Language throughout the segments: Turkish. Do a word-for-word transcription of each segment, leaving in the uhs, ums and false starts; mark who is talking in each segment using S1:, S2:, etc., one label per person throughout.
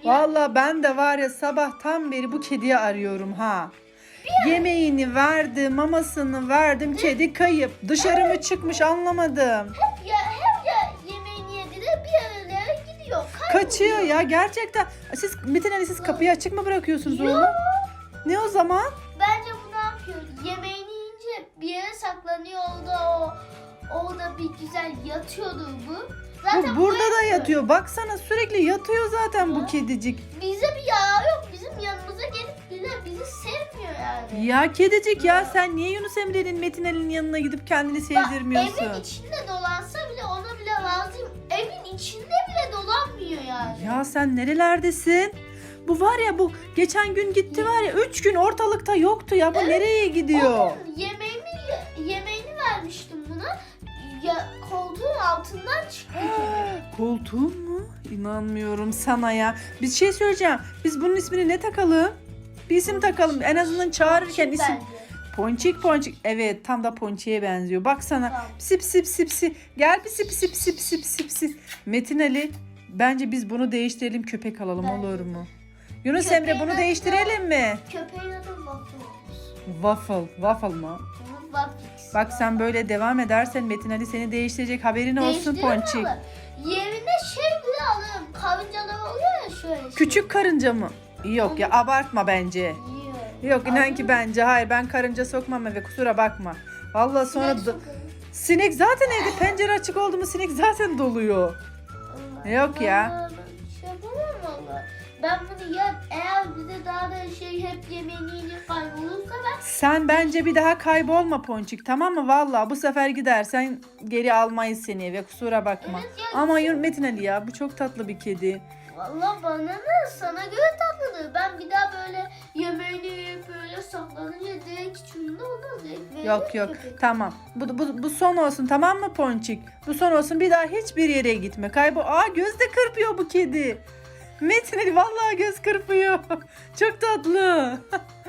S1: Vallahi ben de var ya sabahtan beri bu kediyi arıyorum ha. Yemeğini verdim, mamasını verdim, kedi kayıp. Dışarı mı çıkmış anlamadım.
S2: Hep ya hep ya yemeğini yedi de bir yerlere gidiyor. Kayboluyor.
S1: Kaçıyor ya gerçekten. Siz Metin Ali siz kapıyı açık mı bırakıyorsunuz
S2: Yok.
S1: onu? Ne o zaman?
S2: Bence bu ne yapıyor? Yemeğini yiyince bir yere saklanıyor orada o. Orada bir güzel yatıyordur bu. Zaten
S1: Bu burada da
S2: buraya-
S1: yatıyor. Baksana sürekli yatıyor zaten bu kedicik.
S2: Bize bir yarar yok. Bizim yanımıza gelip bile bizi sevmiyor yani.
S1: Ya kedicik ya sen niye Yunus Emre'nin Metin Ali'nin yanına gidip kendini sevdirmiyorsun?
S2: Evin içinde dolansa bile ona bile razıyım. Evin içinde bile dolanmıyor yani.
S1: Ya sen nerelerdesin? Bu var ya bu geçen gün gitti var ya üç gün ortalıkta yoktu ya bu
S2: Evet.
S1: nereye gidiyor?
S2: Onun yemeğimi, yemeğini vermiştim buna. Ya, koltuğun altından çıktı kedi.
S1: Koltuğun mu? İnanmıyorum sana ya. Bir şey söyleyeceğim. Biz bunun ismini ne takalım? Bir isim takalım. En azından çağırırken isim.
S2: Bence.
S1: Ponçik ponçik. Evet tam da ponçiğe benziyor. Baksana.
S2: Tamam.
S1: Sip sip sip sip. Gel bir sip sip sip sip sip sip. Metin Ali bence biz bunu değiştirelim köpek alalım
S2: Bence
S1: olur
S2: de.
S1: mu? Yunus
S2: Köpeğin
S1: Emre bunu
S2: adı
S1: değiştirelim mi?
S2: Köpeğin adı Waffle olmuş.
S1: Waffle. Waffle mı?
S2: Bunu Waffles.
S1: Bak sen böyle devam edersen Metin Ali seni değiştirecek haberin olsun
S2: Değiştirir
S1: ponçik.
S2: mi? Yerine şey bile alırım. Karıncalar oluyor ya şöyle. şey.
S1: Küçük karınca mı? Yok ya abartma bence.
S2: Yiyor.
S1: Yok inan ki bence hayır ben karınca sokmam eve kusura bakma. Vallahi sonra
S2: Sinek
S1: da-
S2: sokarım.
S1: sinek zaten evde pencere açık oldu mu sinek zaten doluyor.
S2: Allah.
S1: Yok ya.
S2: Ben şey yapamam valla. Ben bunu ya eğer bize daha da şey hep yemeğini yiyince kaybolursa ben
S1: Sen bence bir daha kaybolma ponçik tamam mı? Vallahi bu sefer gidersen geri almayız seni eve kusura bakma.
S2: evet ya
S1: Ama Yun- Metin Ali ya bu çok tatlı bir kedi.
S2: valla bana ne sana göre tatlıdır. Ben bir daha böyle yemeğini yiyip böyle saklanınca direkt içimde olur. Direkt veririm
S1: Yok yok
S2: köpeğe.
S1: tamam. Bu, bu, bu son olsun tamam mı ponçik? Bu son olsun bir daha hiçbir yere gitme. Kaybol. Aa göz de kırpıyor bu kedi. Metin Ali vallahi göz kırpıyor. Çok tatlı.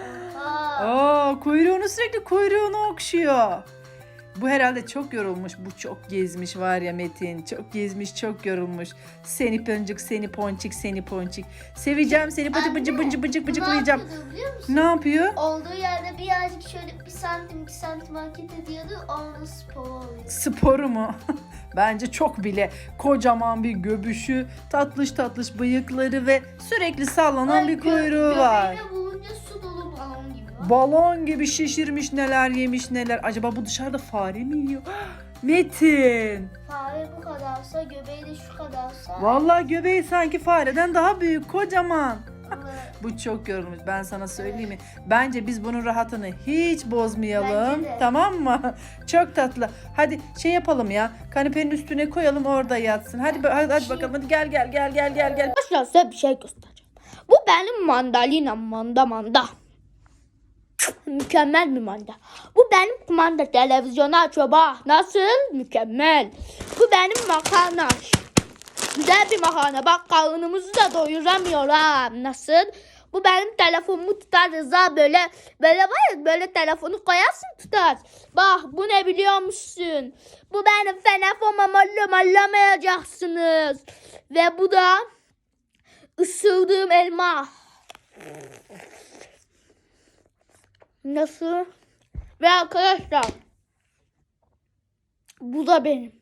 S2: Aa,
S1: Aa kuyruğunu sürekli kuyruğunu okşuyor. Bu herhalde çok yorulmuş. Bu çok gezmiş var ya Metin. Çok gezmiş, çok yorulmuş. Seni pıncık, seni ponçik, seni ponçik. Seveceğim seni bıcı bıcı bıcı bıcık
S2: bu
S1: bıcıklayacağım.
S2: ne yapıyordu biliyor musun?
S1: Ne yapıyor?
S2: Olduğu yerde birazcık şöyle bir santim iki santim hareket ediyordu. Onun spor oluyor.
S1: Sporu mu? Bence çok bile. Kocaman bir göbüşü, tatlış tatlış bıyıkları ve sürekli sallanan
S2: Ay,
S1: bir
S2: gö-
S1: kuyruğu var.
S2: Göbeğine vurunca su dolu balon gibi var.
S1: Balon gibi şişirmiş neler yemiş neler. Acaba bu dışarıda fare mi yiyor? Metin.
S2: Fare bu kadarsa göbeği de şu kadarsa.
S1: Vallahi göbeği sanki fareden daha büyük, kocaman.
S2: Vallahi
S1: Bu çok yorulmuş. Ben sana söyleyeyim mi? Bence biz bunun rahatını hiç bozmayalım.
S2: Bence de.
S1: Tamam mı? Çok tatlı. Hadi şey yapalım ya. Kanepenin üstüne koyalım orada yatsın. Hadi hadi, hadi bakalım. Hadi gel gel gel gel gel gel.
S3: Arkadaşlar size bir şey göstereceğim. Bu benim mandalinam manda manda. Mükemmel bir manda. Bu benim kumanda televizyonu açıyor bak. Nasıl? Mükemmel. Bu benim makarna. Güzel bir makarna. Bak karnımızı da doyuramıyor ha. Nasıl? Bu benim telefonumu tutar Rıza böyle. Böyle var ya böyle telefonu koyarsın tutar. Bak bu ne biliyor musun? Bu benim telefonuma allamayacaksınız. Ve bu da ısırdığım elma. Nasıl? Ve arkadaşlar bu da benim.